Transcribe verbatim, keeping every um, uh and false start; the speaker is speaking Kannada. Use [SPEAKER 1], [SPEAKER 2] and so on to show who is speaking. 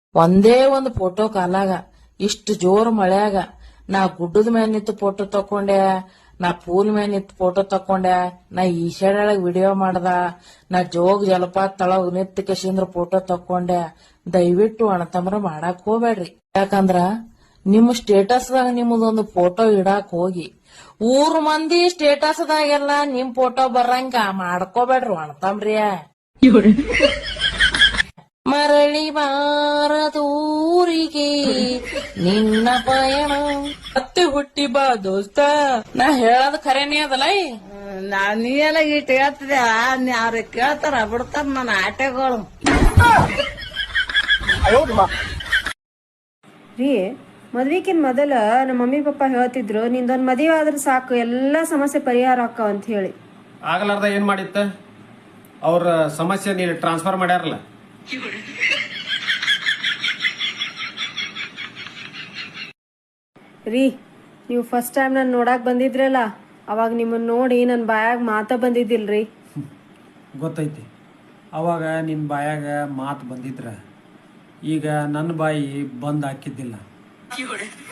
[SPEAKER 1] ಒಂದೇ ಒಂದು ಫೋಟೋ ಕಾಲಾಗ ಇಷ್ಟು ಜೋರ್ ಮಳ್ಯಾಗ ನಾ ಗುಡ್ಡದ ಮೇಲೆ ನಿಂತು ಫೋಟೋ ತಕೊಂಡೆ, ನಾ ಪೂಲ್ ಮೇಲೆ ನಿಂತು ಫೋಟೋ ತಕೊಂಡೆ, ನಾ ಈಶಾಡ್ಯಾಳಗ್ ವಿಡಿಯೋ ಮಾಡ್ದ, ನಾ ಜೋಗ್ ಜಲಪಾತ ತಳಗ್ ನಿಂತ ಕೆಶಿಂದ್ರ ಫೋಟೋ ತಕೊಂಡೆ. ದಯವಿಟ್ಟು ಅಣ್ಣತಮ್ರ ಮಾಡಾಕ್ ಹೋಗ್ಬೇಡ್ರಿ. ಯಾಕಂದ್ರ ನಿಮ್ ಸ್ಟೇಟಸ್ದಾಗ ನಿಮ್ಮದೊಂದು ಫೋಟೋ ಇಡಾಕ್ ಹೋಗಿ ಊರ್ ಮಂದಿ ಸ್ಟೇಟಸ್ದಾಗೆಲ್ಲ ನಿಮ್ ಫೋಟೋ ಬರಂಗ ಮಾಡ್ಕೋಬೇಡ್ರಿ ಅಣ್ಣತಮ್ರಿಯ. ಮರಳಿ ಬಾರದೂರಿಗೆ ನಿನ್ನ ಪಯಣ ಮತ್ತೆ ಹುಟ್ಟಿ ಬಾ ದೋಸ್ತ. ನಾ ಹೇಳೋದ್ ಖರೇನೇ ಅದಲ್ಲ.
[SPEAKER 2] ನಾ ನೀ ಎಲ್ಲ ಇಟ್ಟು ಹೇಳ್ತಿದ್ದೆ, ಅವ್ರಿಗೆ ಕೇಳ್ತಾರ ಬಿಡ್ತಾರ ನನ್ನ ಆಟೆಗಳು.
[SPEAKER 3] ರೀ ಮದ್ವಿಕಿನ್ ಮೊದಲ ನಮ್ಮ ಮಮ್ಮಿ ಪಪ್ಪ ಹೇಳ್ತಿದ್ರು ನಿಂದೊಂದ್ ಮದುವೆ ಆದ್ರೆ ಸಾಕು ಎಲ್ಲಾ ಸಮಸ್ಯೆ ಪರಿಹಾರ ಆಕ್ಕಾವ ಅಂತ ಹೇಳಿ.
[SPEAKER 4] ಆಗಲಾರ್ದ ಏನ್ ಮಾಡಿತ್ತ? ಅವ್ರ ಸಮಸ್ಯೆ ನೀನು ಟ್ರಾನ್ಸ್ಫರ್ ಮಾಡ್ಯಾರಲ್ಲ.
[SPEAKER 3] ರೀ ನೀವು ಫಸ್ಟ್ ಟೈಮ್ ನಾನು ನೋಡಾಕ್ ಬಂದಿದ್ರಲ್ಲ, ಅವಾಗ ನಿಮ್ಮನ್ನ ನೋಡಿ ನನ್ ಬಾಯಾಗ ಮಾತ ಬಂದಿದ್ದಿಲ್ರಿ.
[SPEAKER 4] ಗೊತ್ತೈತಿ, ಅವಾಗ ನಿನ್ನ ಬಾಯಾಗ ಮಾತು ಬಂದಿದ್ರ ಈಗ ನನ್ನ ಬಾಯಿ ಬಂದ್ ಹಾಕಿದ್ದಿಲ್ಲ.